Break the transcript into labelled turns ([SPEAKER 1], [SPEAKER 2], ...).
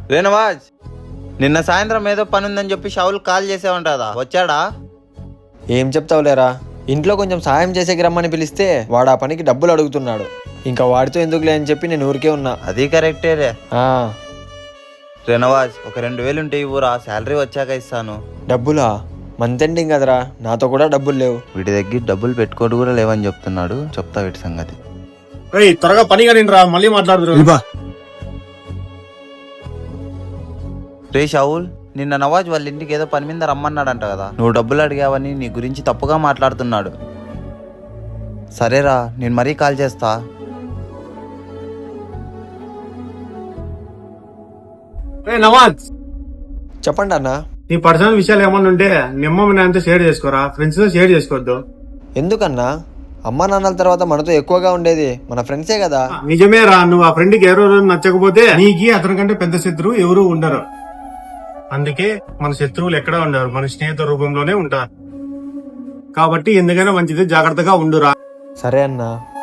[SPEAKER 1] రేనవాజ్, నిన్న సాయంత్రం ఏదో పని ఉందని చెప్పి షౌల్ కాల్ చేసావంటదా, వచ్చాడా?
[SPEAKER 2] ఏం చెప్తావులేరా, ఇంట్లో కొంచెం సాయం చేసేకి రమ్మని పిలిస్తే వాడు ఆ పనికి డబ్బులు అడుగుతున్నాడు. ఇంకా వాడితో ఎందుకులే అని చెప్పి నేను ఊరికే ఉన్నా.
[SPEAKER 1] అది కరెక్టేలే.
[SPEAKER 2] ఆ,
[SPEAKER 1] రేనవాజ్, ఒక 2000 ఉంటే ఇవ్వురా, శాలరీ వచ్చాక ఇస్తాను.
[SPEAKER 2] డబ్బులా? మంత్ ఎండింగ్ కదరా, నాతో కూడా డబ్బులు లేవు.
[SPEAKER 1] వీటి దగ్గర డబ్బులు పెట్టుకోడు కూడా లేవని చెప్తున్నాడు. చెప్తా వీటి సంగతి.
[SPEAKER 3] త్వరగా పని కానీ రా, మళ్ళీ మాట్లాడుతున్నా.
[SPEAKER 1] రే షౌల్, నిన్న నవాజ్ వాళ్ళ ఇంటికి ఏదో పని మీద రమ్మన్నాడంట కదా, నువ్వు డబ్బులు అడిగావని నీ గురించి తప్పుగా మాట్లాడుతున్నాడు. సరేరా, నేను మరీ కాల్ చేస్తా.
[SPEAKER 3] నవాజ్,
[SPEAKER 2] చెప్పండి అన్న.
[SPEAKER 3] నీ పర్సనల్ విషయాలు ఏమన్నా ఉంటే నిమ్మ నాన్నతో షేర్ చేసుకోరా, ఫ్రెండ్స్ తో షేర్ చేసుకోవద్దు.
[SPEAKER 2] ఎందుకన్నా? అమ్మా నాన్నల తర్వాత మనతో ఎక్కువగా ఉండేది మన ఫ్రెండ్సే కదా.
[SPEAKER 3] నిజమే రా, నువ్వు ఆ ఫ్రెండ్ కి ఏ రోజు నచ్చకపోతే నీకి అతని కంటే పెద్ద శత్రువు ఎవరు ఉండరు. అందుకే మన శత్రువులు ఎక్కడ ఉండరు, మన స్నేహితుల రూపంలోనే ఉంటారు. కాబట్టి ఎందుకైనా మంచిది జాగ్రత్తగా ఉండురా.
[SPEAKER 2] సరే అన్నా.